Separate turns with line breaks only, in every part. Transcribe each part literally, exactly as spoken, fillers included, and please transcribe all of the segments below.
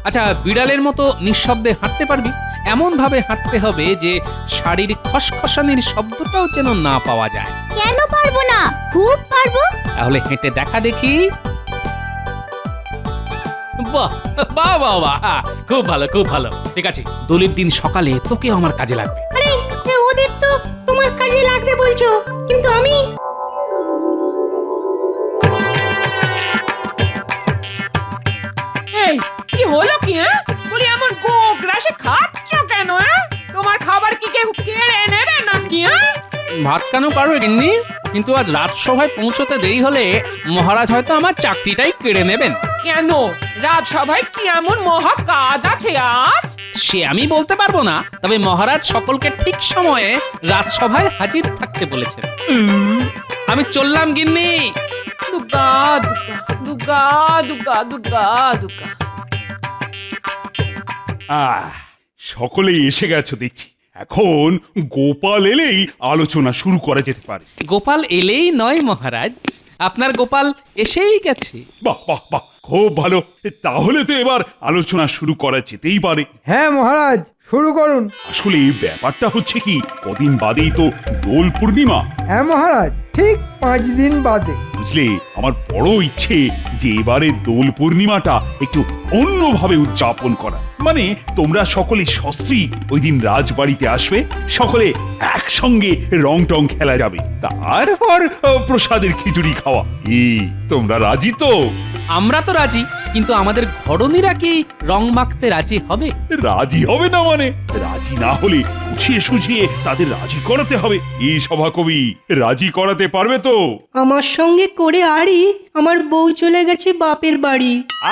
আচ্ছা, বিড়ালের মতো নিঃশব্দে হাঁটতে পারবি? এমন ভাবে হাঁটতে হবে যে শাড়ির খসখসানির শব্দটাও যেন না পাওয়া যায়।
কেন পারবো না, খুব পারবো।
তাহলে হেঁটে দেখা দেখি। বাহ বাহ বাহ বাহ, খুব ভালো খুব ভালো। ঠিক আছে, দোলের দিন সকালে তোকেও আমার কাজে লাগবে।
আরে এ ওদের তো তোমার কাজে লাগবে বলছো, কিন্তু আমি
এই কি হলো কি? হ্যাঁ বলি এমন গোগ গ্রাসে খাচ্ছ কেন? হ্যাঁ তোমার খাবার কি কেউ কেড়ে নেবে নাকি? হ্যাঁ
ভাত কেন পারবে গিন্নি, কিন্তু আজ রাজসভায় পৌঁছতে দেরি হলে মহারাজ হয়তো আমার চাকরিটাই কেড়ে নেবেন।
কেন, রাজসভায় কি এমন মহা কাজ আছে আজ?
সে আমি বলতে পারবো না, তবে মহারাজ সকলকে ঠিক সময়ে রাজসভায় হাজির থাকতে বলেছেন। উম, আমি চললাম গিন্নি।
দুগা দুগা দুগা দুগা দুগা দুগা।
আহ সকলেই এসে গেছো দেখছি। এখন গোপাল এলেই আলোচনা শুরু করা যেতে পারে।
গোপাল এলেই নয় মহারাজ, আপনার গোপাল এসেই গেছে।
বাহ বাহ বাহ, খুব ভালো। তাহলে তো এবার আলোচনা শুরু করা যেতেই পারে।
হ্যাঁ মহারাজ, শুরু করুন।
আসলে ব্যাপারটা হচ্ছে কি, কদিন বাদেই তো দোল পূর্ণিমা।
হ্যাঁ মহারাজ, ঠিক পাঁচ দিন বাদে।
বুঝলে, আমার বড় ইচ্ছে যে এবারে দোল পূর্ণিমাটা একটু অন্যভাবে উদযাপন করা। মানে তোমরা সকলে সস্ত্রী ওই দিন রাজবাড়িতে আসবে, সকলে একসঙ্গে রং টং খেলা যাবে, তারপর আহ, প্রসাদের খিচুড়ি খাওয়া। কি তোমরা রাজি তো?
আমরা তো রাজি, কিন্তু আমাদের ঘরণীরা কি রং মাখতে রাজি হবে?
রাজি হবে না মানে? রাজি না হলে বুঝিয়ে সুঝিয়ে তাদের রাজি করাতে হবে। এই সভাকবি রাজি করাতে পারবে তো?
আমার সঙ্গে করে আরই আমার বউ চলে গেছে বাপের বাড়ি।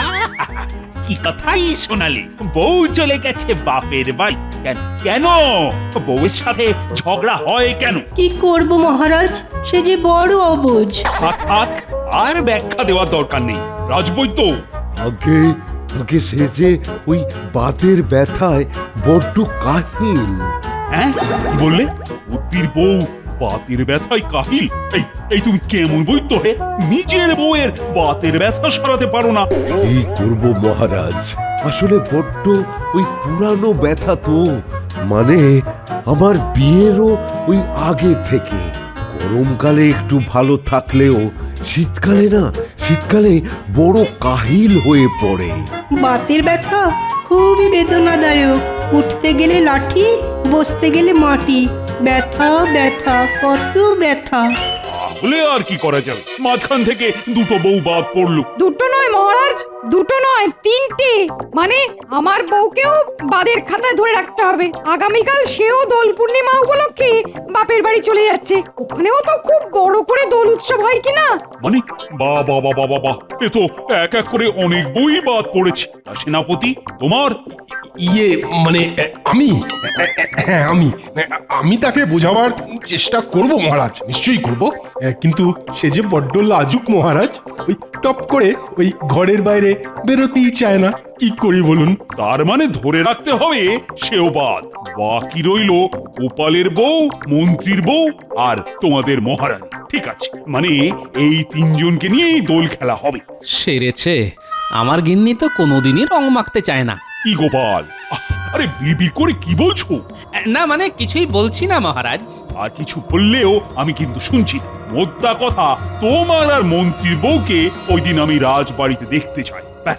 কি কথাই শোনালি, বউ চলে গেছে বাপের বাড়ি? কেন কেন বউয়ের সাথে ঝগড়া হয় কেন?
কি করব মহারাজ, সে যে বড় অবুঝ।
থাক থাক, আর ব্যাখ্যা দেওয়ার দরকার নেই। রাজবৈদ্য,
আগে আগে সে যে ওই বাতের ব্যথায় বড্ড কাহিল।
হ্যাঁ কি বললে? বুদ্ধির বউ বাতের ব্যথায় কাহিল? এই এই তুমি কেমন বৈদ্য হে? নিজের বউয়ের বাতের ব্যথা সরাতে পারো না?
কি করব মহারাজ, আসলে বড্ড ওই পুরানো ব্যথা তো, মানে আমার বিয়েরও ওই আগে থেকে। গরমকালে একটু ভালো থাকলেও শীতকালে না, শীতকালে বড় কাহিল হয়ে পড়ে।
বাতের ব্যথা খুবই বেদনাদায়ক। উঠতে গেলে লাঠি, বসতে গেলে মাটি। ব্যথা ব্যথা, কত ব্যথা।
তাহলে আর কি করা যাবে? মাঝখান থেকে দুটো বউ বাদ পড়লো।
দুটো নয় মহারাজ, দুটো নয়, তিনটে। মানে আমার বউকেও বাদের খাতায় ধরে রাখতে হবে। আগামীকাল সেও দোল পূর্ণিমা উপলক্ষে বাপের বাড়ি চলে যাচ্ছে। ওখানেও তো খুব বড় করে দোল উৎসব হয় কিনা।
মানে বা বা বা বা বা, এ তো এক এক করে অনেক বই বাদ পড়েছে। তা সেনাপতি, তোমার?
ইয়ে মানে এ, আমি এ, এ, হ্যাঁ আমি এ, আমি তাকে বোঝাবার চেষ্টা করব মহারাজ, নিশ্চয়ই করব। এ, কিন্তু সে যে বড্ড লাজুক মহারাজ, ওই টপ করে ওই ঘরের বাইরে বেরোতেই চায় না। কি করি বলুন?
তার মানে ধরে রাখতে হবে সেও বাদ। বাকি রইল গোপালের বউ, মন্ত্রীর বউ আর তোমাদের মহারাজ। ঠিক আছে, মানে এই তিনজনকে নিয়েই দোল খেলা হবে।
সেরেছে, আমার গিন্নি তো কোনোদিনই রং মাখতে চায় না।
কি গোপাল, আহ, আরে বিড়বিড় করে কি বলছো?
না মানে কিছুই বলছি না মহারাজ।
আর কিছু বললেও আমি কিন্তু শুনছি না। মোদ্দা কথা, তোমার আর মন্ত্রীর বউকে ওই দিন আমি রাজবাড়িতে দেখতে চাই, ব্যাস।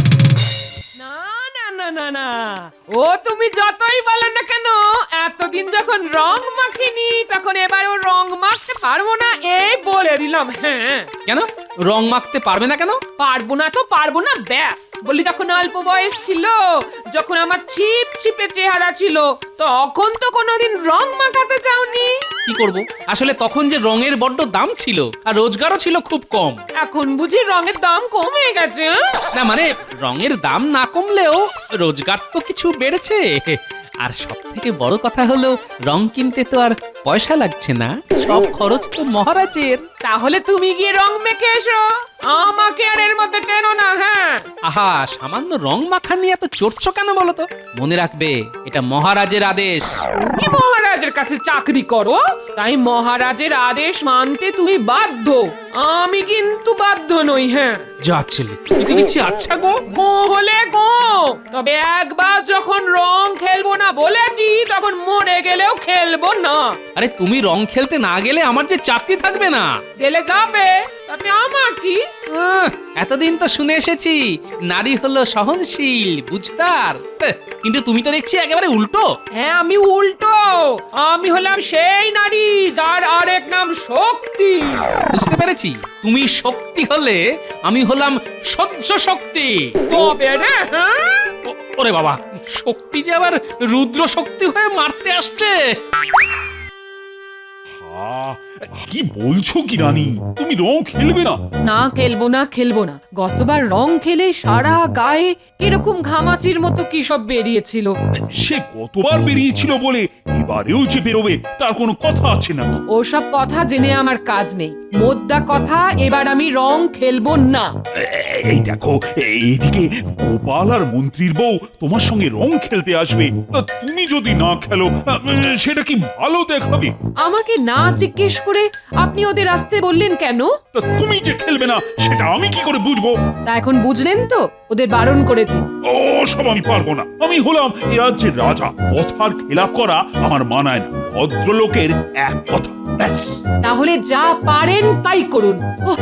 না না না না না, ও তুমি যতই বলো না কেন, এতদিন যখন রং মাখিনি তখন এবার ও রং মাখতে পারবো না, এই বলে দিলাম। হ্যাঁ
কেন রং মাখতে পারবে না কেন?
পারবো না তো পারবো না, ব্যাস। বলি তখন অল্প বয়স ছিল, যখন আমার ছিপ ছিপে চেহারা ছিল, তখন তো কোনোদিন রং মাখাতে চাওনি।
কি করব, আসলে তখন যে রঙের বড্ড দাম ছিল আর রোজগারও ছিল খুব কম।
এখন বুঝি রঙের দাম কমে গেছে?
না মানে রঙের দাম না কমলেও রোজগার তো কিছু বেড়েছে। আর সব থেকে বড় কথা হলো রং কিনতে তো আর পয়সা লাগছে না, সব খরচ তো মহারাজের।
তাহলে তুমি গিয়ে রং মেখে এসো, আমাকে আর এর মধ্যে টেনো না। হ্যাঁ,
আহা, সামান্য রং মাখা নিয়ে এত চড়ছো কেন বলো তো? মনে রাখবে, এটা মহারাজের আদেশ।
তুমি মহারাজের কাছে চাকরি করো, তাই মহারাজের আদেশ মানতে তুমি বাধ্য। আমি কিন্তু বাধ্য নই। হ্যাঁ,
যা ছেলে, এতে দেখছি আচ্ছা গো।
গো হলে গো, তবে একবার যখন রং খেলবো না বলেছি, তখন মরে গেলেও খেলবো না।
আরে তুমি রং খেলতে না গেলে আমার যে চাকরি থাকবে না।
গেলে যাবে, তাতে আমার কি?
আহ, এতদিন তো শুনে এসেছি নারী হলো সহনশীল, বুঝতার। হ্যাঁ, কিন্তু তুমি তো দেখছি একেবারে উল্টো।
হ্যাঁ, আমি উল্টো। আমি হলাম সেই নারী যার আরেক নাম শক্তি।
বুঝতে পেরেছি, তুমি শক্তি হলে আমি হলাম সহ্য শক্তি।
তবে রে, হ্যাঁ,
ও- ওরে বাবা, শক্তি যে আবার রুদ্র শক্তি হয়ে মারতে আসছে।
আহ, কি বলছো কি রানী, তুমি রং খেলবে না?
না খেলবো না খেলবো না। গতবার রং খেলে সারা গায়ে এরকম ঘামাচির মতো কি সব বেরিয়েছিল।
সে কতবার বেরিয়েছিল বলে এবারেও যে বেরোবে তার কোনো কথা আছে না?
ওসব কথা জেনে আমার কাজ নেই। মোদ্দা কথা, এবার আমি রং খেলবো না।
এ- এই দেখো, এইদিকে গোপাল আর মন্ত্রীর বউ তোমার সঙ্গে রং খেলতে আসবে, তা তুমি যদি না খেলো আহ, সেটা কি ভালো দেখাবে?
আমাকে না জিজ্ঞেস করে আপনি ওদের আসতে বললেন কেন?
তা তুমি যে খেলবে না সেটা আমি কি করে বুঝবো?
তা এখন বুঝলেন তো, ওদের বারণ করে দিন।
ও সব আমি পারবো না। আমি হলাম এ রাজ্যের রাজা, কথার খেলাপ করা আমার মানায় না। ভদ্রলোকের এক কথা, ব্যাস।
তাহলে যা পারেন তাই করুন। ওহ,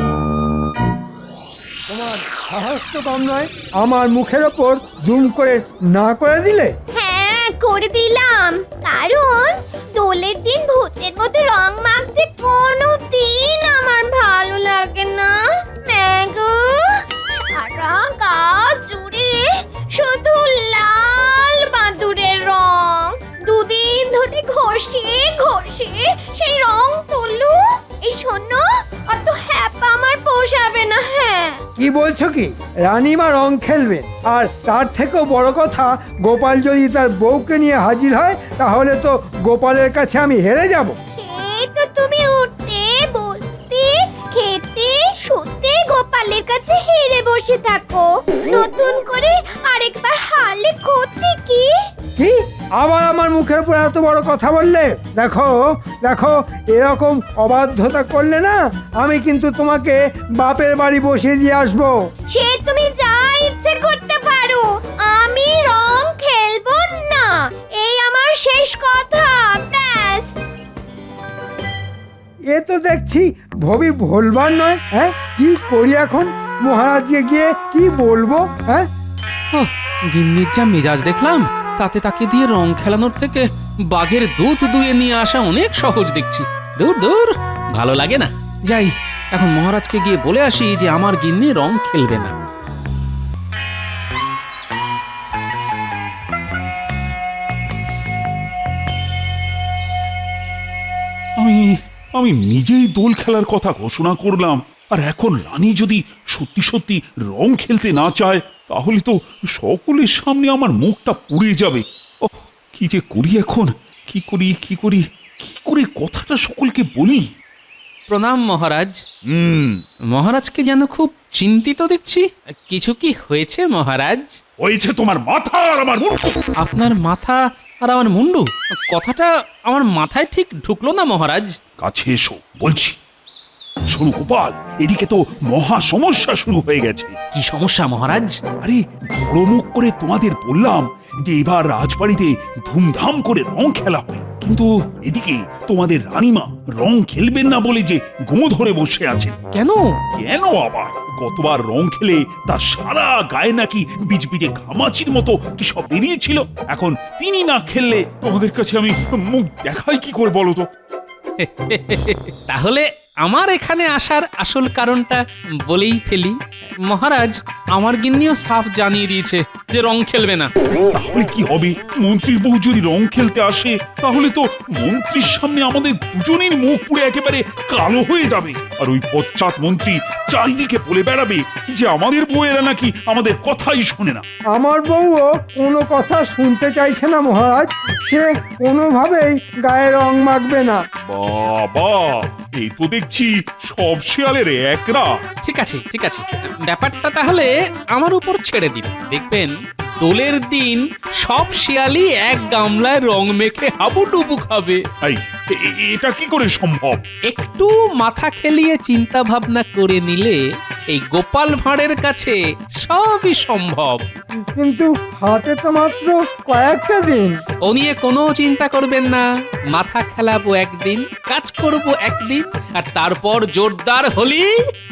তোমার সাহস তো কম নয়, আমার মুখের ওপর দুম করে না করে দিলে।
হ্যাঁ, করে দিলাম। কারণ দোলের দিন ভূতের মতো রং মাখতে কোনো দিন আমার ভালো লাগে না। ম্যাগো, সারা গা জুড়ে শুধু লাল বাদুড়ের রং। দুদিন ধরে ঘষে ঘষে সেই রং তুলু। এই শোনো, অত হ্যাপা আমার পোষাবে না। হ্যাঁ,
কি বলছো কি? রানীমা রং খেলবে, আর তার থেকেও বড় কথা, গোপাল যদি তার বউকে নিয়ে হাজির হয় তাহলে তো গোপালের কাছে আমি হেরে যাব।
সে তো তুমি উঠতে বসতে খেতে শুতে গোপালের কাছে হেরে বসে থাকো। নতুন করে আরেকবার হারলে ক্ষতি কি?
কি আবার আমার মুখের উপর এত বড় কথা বললে? দেখো দেখো, এরকম অবাধ্যতা করলে না, আমি কিন্তু তোমাকে বাপের বাড়ি বসিয়ে দিয়ে আসবো।
সে তুমি যা ইচ্ছে করতে পারো, আমি রং খেলবো না। এই আমার শেষ কথা, ব্যাস।
এ তো দেখছি ভবি ভোলবার নয়। হ্যাঁ, কি করি এখন? মহারাজকে গিয়ে কি বলবো? হ্যাঁ,
ওহ, গিন্নির যা মেজাজ দেখলাম, তাতে তাকে দিয়ে রং খেলানোর থেকে বাঘের দুধ দুয়ে নিয়ে আসা অনেক সহজ দেখছি। দূর দূর, ভালো লাগে না। যাই, এখন মহারাজকে গিয়ে বলে আসি যে আমার গিন্নি রং খেলবে না।
আমি আমি নিজেই দোল খেলার কথা ঘোষণা করলাম, আর এখন রানী যদি সত্যি সত্যি রং খেলতে না চায় তাহলে তো সকলের সামনে আমার মুখটা পুড়ে যাবে। ও কি যে করি এখন, কি করি কি করি কি করে কথাটা সকলকে বলি?
প্রণাম মহারাজ।
হুম,
মহারাজকে যেন খুব চিন্তিত দেখছি। কিছু কি হয়েছে মহারাজ?
হয়েছে তোমার মাথা আর আমার মুখ।
আপনার মাথা আর আমার মুন্ডু, কথাটা আমার মাথায় ঠিক ঢুকলো না মহারাজ।
কাছে এসো বলছি। শোনো গোপাল, এদিকে তো মহা সমস্যা শুরু হয়ে গেছে।
কি সমস্যা মহারাজ?
আরে বড় মুখ করে তোমাদের বললাম যে এবার রাজবাড়িতে ধুমধাম করে রং খেলা হবে, কিন্তু এদিকে তোমাদের রানীমা রং খেলবেন না বলে যে গো ধরে বসে আছে।
কেন?
কেন আবার? গতবার রং খেলে তার সারা গায়ে নাকি বিজবিজে ঘামাচির মতো কি সব বেরিয়েছিল। এখন তিনি না খেললে তোমাদের কাছে আমি মুখ দেখাই কি করে বলো তো?
তাহলে আমার এখানে আসার আসল কারণটা বলেই ফেলি মহারাজ। আমার গিন্নিও সাফ জানিয়ে দিয়েছে যে রং খেলবে না।
তাহলে কি হবে? মন্ত্রীর বউ যদি রং খেলতে আসে তাহলে তো মন্ত্রীর সামনে আমাদের দুজনের মুখ পুড়ে একেবারে কালো হয়ে যাবে, আর ওই পশ্চাৎ মন্ত্রী চারিদিকে বলে বেড়াবে যে আমাদের বউয়েরা নাকি আমাদের কথাই শোনে না।
আমার বউও কোনো কথা শুনতে চাইছে না মহারাজ। সে কোনোভাবেই গায়ে রং মাখবে না।
বাবা, এই তো দেখছি সব শেয়ালের একরা।
ঠিক আছে ঠিক আছে, ব্যাপারটা তাহলে আমার উপর ছেড়ে দিন। দেখবেন দোলের দিন সব শিয়ালই এক গামলায় রং মেখে হাবুডুবু খাবে।
এই এ- এ- এটা কি করে সম্ভব?
একটু মাথা খেলিয়ে চিন্তা ভাবনা করে নিলে এই গোপাল ভাঁড়ের কাছে সবই সম্ভব।
কিন্তু হাতে তো মাত্র কয়েকটা দিন।
ও নিয়ে কোনো চিন্তা করবেন না, মাথা খেলাবো একদিন, কাজ করব একদিন, আর তারপর জোরদার হলি।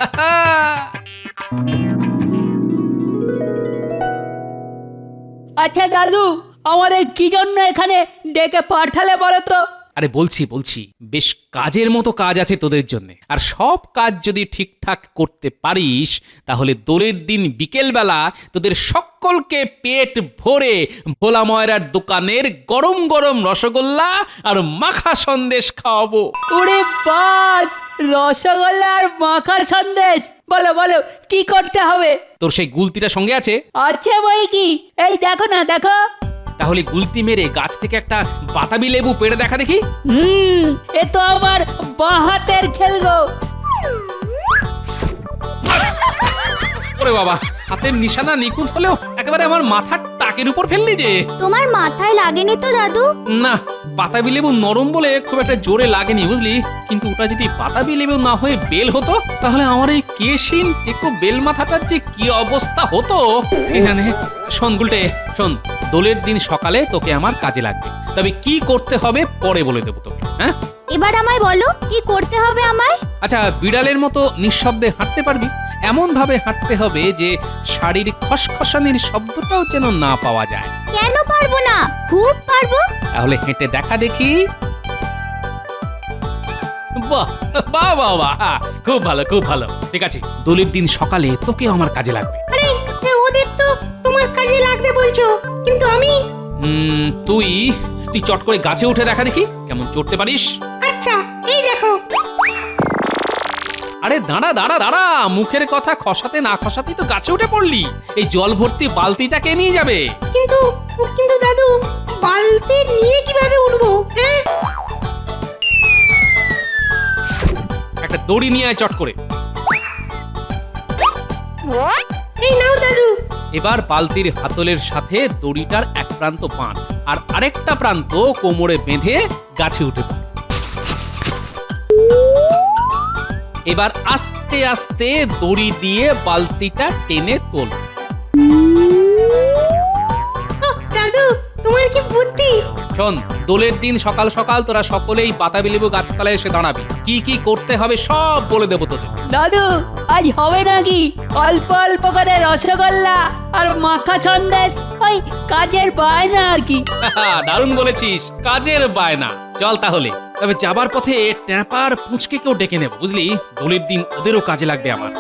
আচ্ছা দাদু, আমাদের কি জন্য এখানে ডেকে পাঠালে বলো তো?
আরে বলছি বলছি বেশ কাজের মতো কাজ আছে তোদের জন্য, আর সব কাজ যদি ঠিকঠাক করতে পারিস তাহলে দোলের দিন বিকেলবেলা তোদের সকলকে পেট ভরে ভোলা ময়রার দোকানের গরম গরম রসগোল্লা আর মাখা সন্দেশ খাওয়াবো।
ওরে বাস, রসগোল্লা আর মাখার সন্দেশ! বলো বলো, কি করতে হবে?
তোর সেই গুলতিটা সঙ্গে আছে?
আছে বই কি, এই দেখো না, দেখো।
তাহলে গুলতি মেরে গাছ থেকে একটা বাতাবি লেবু পেড়ে দেখা দেখি।
হুম, এ তো আমার বাঁ হাতের খেল গো।
ওরে বাবা, হাতের নিশানা নিখুঁত হলেও একেবারে আমার মাথার টাকের উপর ফেললি যে।
তোমার মাথায় লাগেনি তো দাদু?
না, বাতাবি লেবু নরম বলে খুব একটা জোরে লাগেনি বুঝলি, কিন্তু ওটা যদি বাতাবি লেবু না হয়ে বেল হতো তাহলে আমার এই কেশিন টেকো বেল মাথাটার যে কি অবস্থা হতো কে জানে। শোন গুলটে, শোন, দোলের দিন সকালে তোকে আমার কাজে লাগবে, তবে কি করতে হবে পরে বলে দেবো তোকে। হ্যাঁ,
এবার আমায় বলো কি করতে হবে আমায়?
আচ্ছা, বিড়ালের মতো নিঃশব্দে হাঁটতে পারবি? এমন ভাবে হাঁটতে হবে যে শাড়ির খসখসানির শব্দটাও যেন না পাওয়া যায়।
কেন পারবো না? খুব পারবো।
তাহলে হেঁটে দেখা দেখি। বাহ বাহ বাহ বাহ, খুব ভালো খুব ভালো। ঠিক আছে, দোলের দিন সকালে তোকে আমার কাজে লাগবে।
আরে ওদের তো তোমার কাজে লাগবে বলছো, কিন্তু আমি?
উম, তুই তুই চট করে গাছে উঠে দেখা দেখি কেমন চড়তে পারিস।
আচ্ছা, এই দেখো।
আরে দাঁড়া দাঁড়া দাঁড়া, মুখের কথা খসাতে না খসাতেই তো গাছে উঠে পড়লি। এই জল ভর্তি বালতিটা কে নিয়ে যাবে?
কিন্তু কিন্তু দাদু, বালতি নিয়ে কিভাবে উঠবো? হ্যাঁ,
একটা দড়ি নিয়ে আয় চট করে।
এই নাও দাদু।
এবার বালতির হাতলের সাথে দড়িটার এক প্রান্ত বাঁধ আর আরেকটা প্রান্ত কোমরে বেঁধে গাছে উঠে পড়। এবার আস্তে আস্তে দড়ি দিয়ে বালতিটা টেনে তোল।
ওহ, দাদু, তোমার কি বুদ্ধি!
শোন, দোলের দিন সকাল সকাল তোরা সকলেই বাতাবি লেবু গাছতলায় এসে দাঁড়াবি। কি কি করতে হবে সব বলে দেবো তোদের।
দাদু, আজ হবে নাকি অল্প অল্প করে রসগোল্লা আর মাখা সন্দেশ? ওই কাজের বায়না আর কি।
দারুণ বলেছিস, কাজের বায়না। চল তাহলে, তবে যাবার পথে ট্যাপার পুঁচকে কেউ ডেকে নেব বুঝলি, দোলের দিন ওদেরও কাজে লাগবে আমার।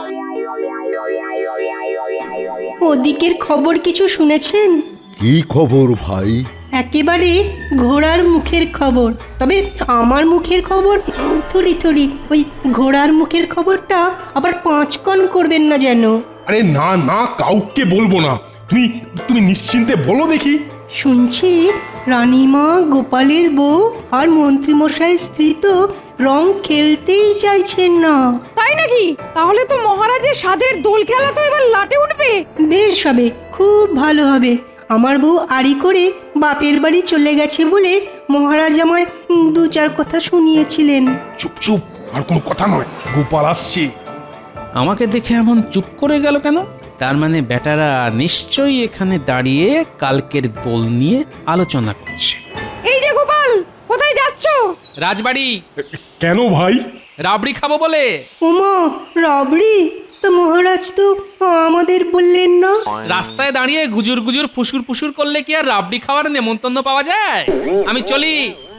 ওদিকের খবর কিছু শুনেছেন?
কি খবর ভাই?
একেবারে ঘোড়ার মুখের খবর। তবে আমার মুখের খবর থুড়ি থুড়ি, ওই ঘোড়ার মুখের খবরটা আবার পাঁচকণ করবেন না যেন।
আরে না না, কাউকে বলবো না। তুমি তুমি নিশ্চিন্তে বলো দেখি।
শুনছি রানীমা, গোপালের বউ আর মন্ত্রীমশাইয়ের স্ত্রী তো রং খেলতেই চাইছেন না।
তাই নাকি? তাহলে তো মহারাজের সাধের দোল খেলা তো এবার লাটে উঠবে।
বেশ হবে, খুব ভালো হবে। আমার বউ আড়ি করে বাপের বাড়ি চলে গেছে বলে মহারাজ আমায় উম, দু চার কথা শুনিয়েছিলেন।
চুপ চুপ, আর কোনো কথা নয়, গোপাল আসছে।
আমাকে দেখে এমন চুপ করে গেল কেন? তার মানে বেটারা নিশ্চয়ই এখানে দাঁড়িয়ে কালকের দোল নিয়ে আলোচনা করছে।
এই যে গোপাল, কোথায় যাচ্ছ?
রাজবাড়ি।
কেন ভাই?
রাবড়ি খাবো বলে।
ওমা, রাবড়ি! তো মহারাজ তো আমাদের বললেন না।
রাস্তায় দাঁড়িয়ে গুজুর গুজুর ফুসুর ফুসুর করলে কি আর রাবড়ি খাওয়ার নেমন্তন্ন পাওয়া যায়? আমি চলি।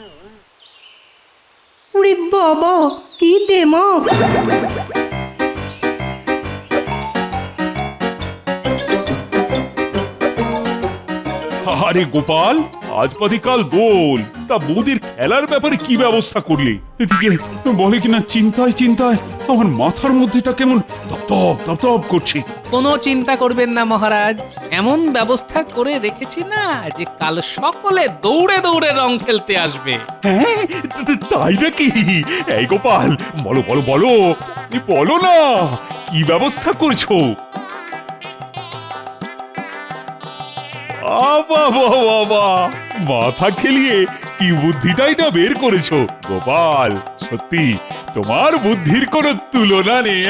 ওরে বাবা, কি দেমাক!
আরে গোপাল, আজ বাদে কাল দোল, তা বৌদির খেলার ব্যাপারে কি ব্যবস্থা করলে? এদিকে বলে কিনা চিন্তায় চিন্তায় আমার মাথার মধ্যেটা কেমন দপদপ দপদপ করছে।
কোনো চিন্তা করবেন না মহারাজ, এমন ব্যবস্থা করে রেখেছি না যে কাল সকলে দৌড়ে দৌড়ে রং খেলতে আসবে।
হ্যাঁ, তা- তা- তাই নাকি? এই গোপাল, বলো বলো বলো, তুমি বলো না, কি ব্যবস্থা করছো? বাবা বাবা বাবা, মাথা খেলিয়ে কি বুদ্ধিটাই না বের করেছো গোপাল। সত্যি তোমার বুদ্ধির কোনো তুলনা নেই।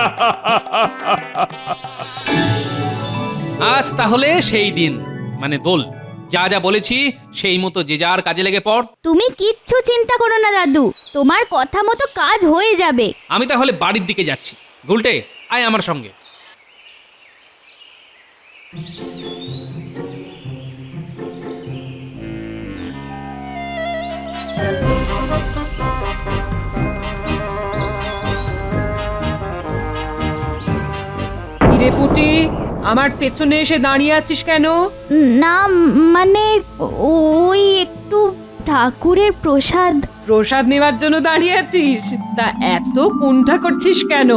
আজ তাহলে সেই দিন, মানে দোল। যা যা বলেছি সেই মতো যে যার কাজে লেগে পড়।
তুমি কিচ্ছু চিন্তা করো না দাদু, তোমার কথা মতো কাজ হয়ে যাবে।
আমি তাহলে বাড়ির দিকে যাচ্ছি। গুলটে, আয় আমার সঙ্গে।
হিরে পুটি, আমার পেছনে এসে দাঁড়িয়ে আছিস কেন?
না মানে ওই একটু ঠাকুরের প্রসাদ।
প্রসাদ নেওয়ার জন্য দাঁড়িয়ে আছিস? তা এত কুণ্ঠা করছিস কেন?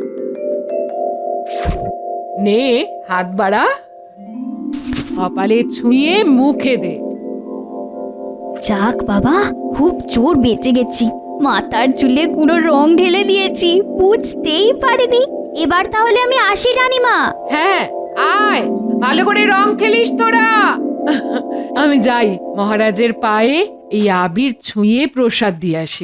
নে, হাত বাড়া, কপালে ছুঁয়ে মুখে দে।
যাক বাবা, খুব জোর বেঁচে গেছি। মাথার চুলে পুরো রং ঢেলে দিয়েছি, বুঝতেই পারিনি। এবার তাহলে আমি আসি রানীমা।
হ্যাঁ, আয়, ভালো করে রং খেলিস তোরা। আমি যাই, মহারাজের পায়ে এই আবির ছুঁয়ে প্রসাদ দিয়ে আসি।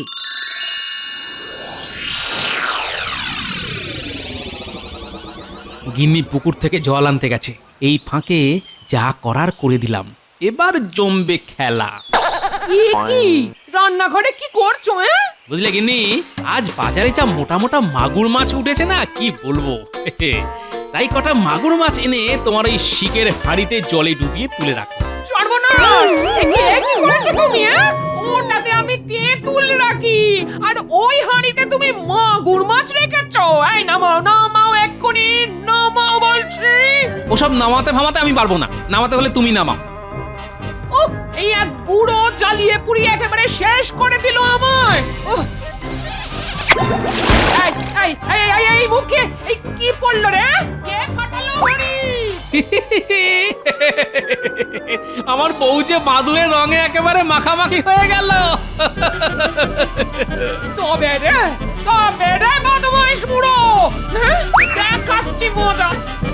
গিন্নি পুকুর থেকে জল আনতে গেছে, এই ফাঁকে যা করার করে দিলাম। এবার জমবে খেলা।
কি কি রান্নাঘরে কি করছো? হ্যাঁ,
বুঝলে গিন্নি, আজ বাজারে যা মোটা মোটা মাগুর মাছ উঠেছে না, কি বলবো। তাই কটা মাগুর মাছ এনে তোমার ওই শিকের হাঁড়িতে জলে ডুবিয়ে তুলে রাখো।
সর্বনাশ! এ কি এ কি করেছো তুমি? হ্যাঁ, ওটাতে আমি তেঁতুল রাখি, আর ওই হাঁড়িতে তুমি মাগুর মাছ রেখেছো। এই নামাও, নামাও এক্ষুনি, নামাও বলছি।
ওসব নামাতে ফামাতে আমি পারবো না, নামাতে হলে তুমি নামাও।
ও, এই এক বুড়ো জ্বালিয়ে পুড়িয়ে একেবারে শেষ করে দিল আমায়। ওহ! এই, এই, এই, এই, এই, মুখে এই কি পড়লো রে? কে ফাটালো হাঁড়ি?
আমার বউ যে বাদুড়ের রঙে একেবারে মাখামাখি হয়ে গেল।
তবে রে, তবে রে বদমাইশ বুড়ো, হ্যাঁ, দেখাচ্ছি মজা।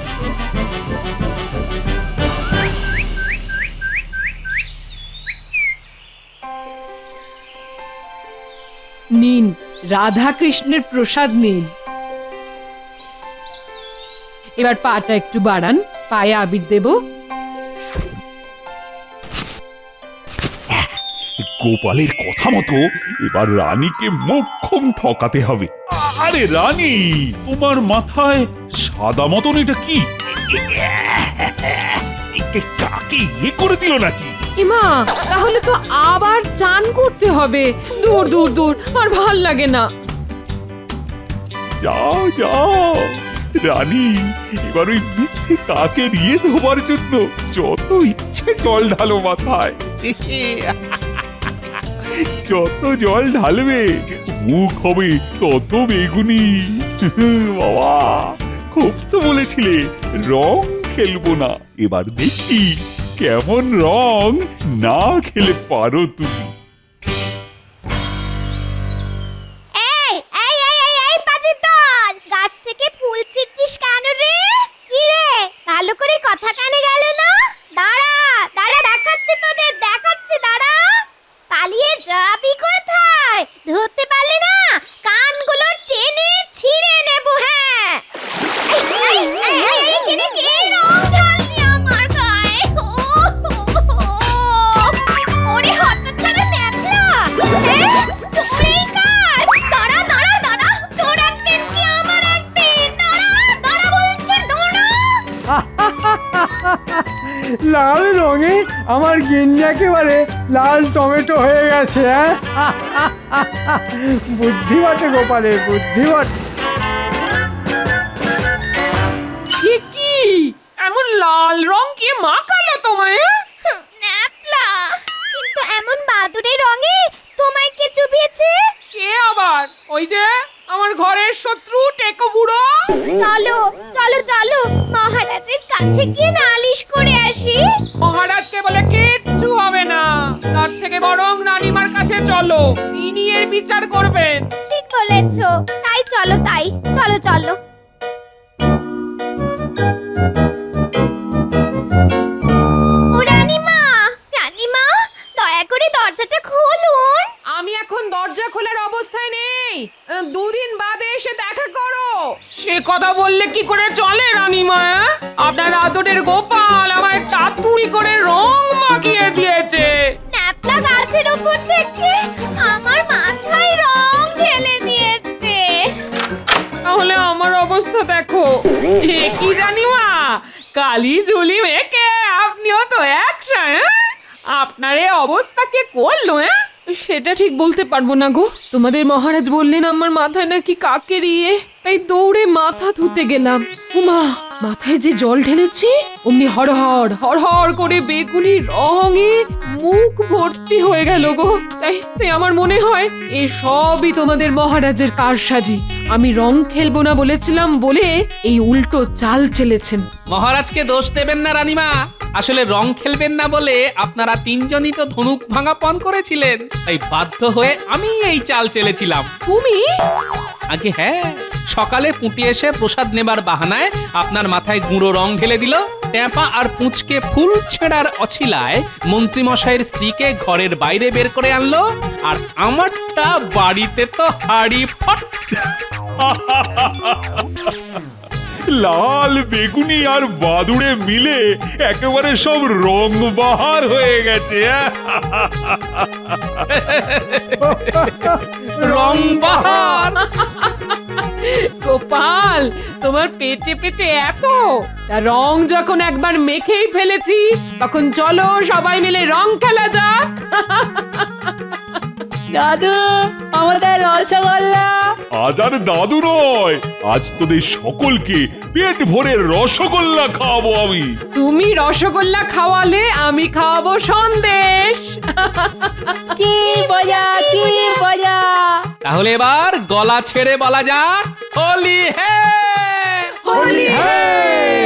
নিন, রাধা কৃষ্ণের প্রসাদ নিন। এবার পাটা একটু বাড়ান, পায়ে আবির দেব।
গোপালের কথা মতো এবার রানীকে মোক্ষম ঠকাতে হবে। আরে রানী, তোমার মাথায় সাদা মতন এটা কি? একে কাকে ইয়ে করে দিল নাকি?
ইমা, তাহলে তো আবার চান করতে হবে। দূর দূর দূর, আর ভাল লাগে না।
যাও যাও রানী, এবার ওই মিথ্যে কাকে নিয়ে ধোবার জন্য যত ইচ্ছে জল ঢালো মাথায়। যত জল ঢালবে মুখ হবে তত বেগুনি। বাবা, খুব তো বলেছিলে রং খেলবো না, এবার দেখি কেমন রং না খেলে পারো তুমি।
এই এই এই এই এই পাজি দল, গাছ থেকে ফুল ছিঁড়ছিস কেন রে? কি রে, ভালো করে কথা কানে গেল না? দাঁড়া দাঁড়া, দেখাচ্ছি তোদের, দেখাচ্ছি, দাঁড়া। পালিয়ে যাবি কোথায়? ধরতে পারলে না কানগুলো টেনে ছিঁড়ে নেব। হ্যাঁ, এই এই এই এই কে রে, কে রং ঢাললি আমার গায়ে? ও, ওরে হতচ্ছাড়া ন্যাকলা, হ্যাঁ, তোরেই কাজ। দাঁড়া দাঁড়া দাঁড়া, তোর একদিন কি আমার একদিন। দাঁড়া দাঁড়া বলছি, দাঁড়া।
লাল রঙে আমার গিন্নি একেবারে লাল টমেটো হয়ে গেছে। হ্যাঁ, বুদ্ধি বটে গোপালের, বুদ্ধি বটে।
এ কি এমন লাল রং কে মাখালো তোমায়?
ন্যাপলা, কিন্তু এমন বাদুড়ের
ওই যে আমার ঘরের শত্রু টেকো বুড়ো।
চলো চলো চলো মহারাজের কাছে গিয়ে নালিশ করে আসি।
মহারাজকে বলে কিচ্ছু হবে না, তার থেকে বরং রানীমার কাছে চলো, তিনি এর বিচার করবেন।
ঠিক বলেছো, তাই চলো তাই চলো চলো। ও রানীমা, রানীমা দয়া করে দরজাটা খুলুন।
আমি এখন দরজা খোলার অবস্থায় নেই, আহ, দুদিন বাদে এসে দেখা করো। সে কথা বললে কি করে চলে রানীমা? আপনার আদরের গোপাল আমায় চাতুরি করে রং মাখিয়ে দিয়েছে।
ন্যাপলা গাছের উপর থেকে আমার মাথায় রং ঢেলে দিয়েছে।
তাহলে আমার অবস্থা দেখো। এ কি রানীমা, কালি ঝুলি মেখে আপনিও তো একসা। আপনার এই অবস্থা কে করলো? হ্যাঁ, সেটা ঠিক বলতে পারবো না গো। তোমাদের মহারাজ বললেন আমার মাথায় নাকি কাকের ইয়ে, তাই দৌড়ে মাথা ধুতে গেলাম। উমা, মাথায় যে জল ঢেলেছি অমনি হড়হড় হড়হড় করে বেগুনি রঙে মুখ ভর্তি হয়ে গেল গো। তাই তাই আমার মনে হয় এ সবই তোমাদের মহারাজের কারসাজি। আমি রং খেলবো না বলেছিলাম বলে এই উল্টো চাল চেলেছেন।
মহারাজকে দোষ দেবেন না রানীমা, আসলে রং খেলবেন না বলে আপনারা তিনজনই তো ধনুক ভাঙা পণ করেছিলেন, তাই বাধ্য হয়ে আমি এই চাল চেলেছিলাম।
তুমি?
আগে হ্যাঁ, সকালে পুঁটি এসে প্রসাদ নেবার বাহানায় আপনার মাথায় গুঁড়ো রং ঢেলে দিল। ট্যাপা আর পুঁচকে ফুল ছেঁড়ার অছিলায় মন্ত্রী মশাইয়ের স্ত্রীকে ঘরের বাইরে বের করে আনলো, আর আমারটা বাড়িতে তো হাড়ি ফট।
লাল বেগুনি আর বাদুড়ে মিলে একেবারে সব রং বাহার হয়ে গেছে।
রং বাহার।
গোপাল, তোমার পেটে পেটে এত, তা রং যখন একবার মেখেই ফেলেছি তখন চলো সবাই মিলে রং খেলা যাক।
দাদু, আমাদের রসগোল্লা।
আজ আর দাদু নয়, আজ তোদের সকলকে পেট ভরে রসগোল্লা খাওয়াবো আমি।
তুমি রসগোল্লা খাওয়ালে আমি খাওয়াবো সন্দেশ।
কি মজা, কি মজা।
তাহলে এবার গলা ছেড়ে বলা যাক হোলি হে,
হোলি হে।